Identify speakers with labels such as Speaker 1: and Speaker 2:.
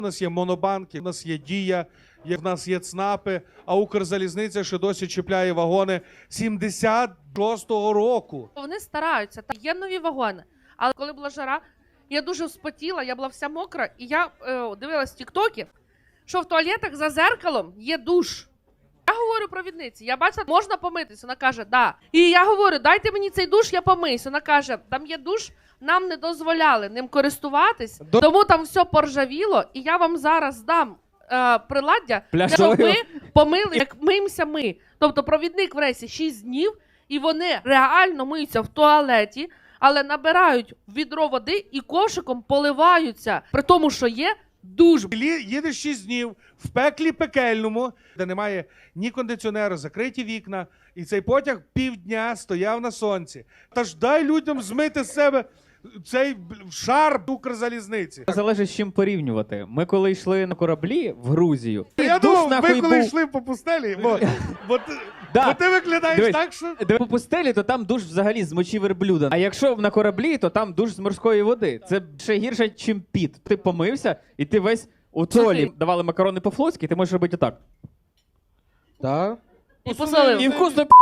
Speaker 1: У нас є монобанки, у нас є Дія, в нас є ЦНАПи, а Укрзалізниця ще досі чіпляє вагони 76-го року.
Speaker 2: Вони стараються, та є нові вагони. Але коли була жара, я дуже вспотіла, я була вся мокра, і я дивилась тіктоки, що в туалетах за зеркалом є душ. Я говорю провідниці, я бачила, можна помитися? Вона каже, да. І я говорю, дайте мені цей душ, я помиюсь. Вона каже, там є душ, нам не дозволяли ним користуватись, тому там все поржавіло, і я вам зараз дам приладдя, щоб ви помили, як миємося ми. Тобто провідник в рейсі 6 днів, і вони реально миються в туалеті, але набирають відро води і ковшиком поливаються, при тому, що є душ.
Speaker 1: Їдеш 6 днів в пеклі пекельному, де немає ні кондиціонера, закриті вікна, і цей потяг півдня стояв на сонці. Та ж дай людям змити з себе цей шар Укрзалізниці.
Speaker 3: Залежить з чим порівнювати. Ми коли йшли на кораблі в Грузію,
Speaker 1: Я
Speaker 3: душ
Speaker 1: думав,
Speaker 3: нахуй
Speaker 1: ви коли
Speaker 3: був.
Speaker 1: йшли по пустелі, бо
Speaker 3: Да.
Speaker 1: ти виглядаєш
Speaker 3: Дивись,
Speaker 1: так, що...
Speaker 3: по пустелі, то там душ взагалі з мочі верблюда. А якщо на кораблі, то там душ з морської води. Це ще гірше, чим піт. Ти помився, і ти весь у толі. Давали макарони по-флотськи, ти можеш робити отак.
Speaker 1: Так.
Speaker 2: І посолив.
Speaker 3: І вкусно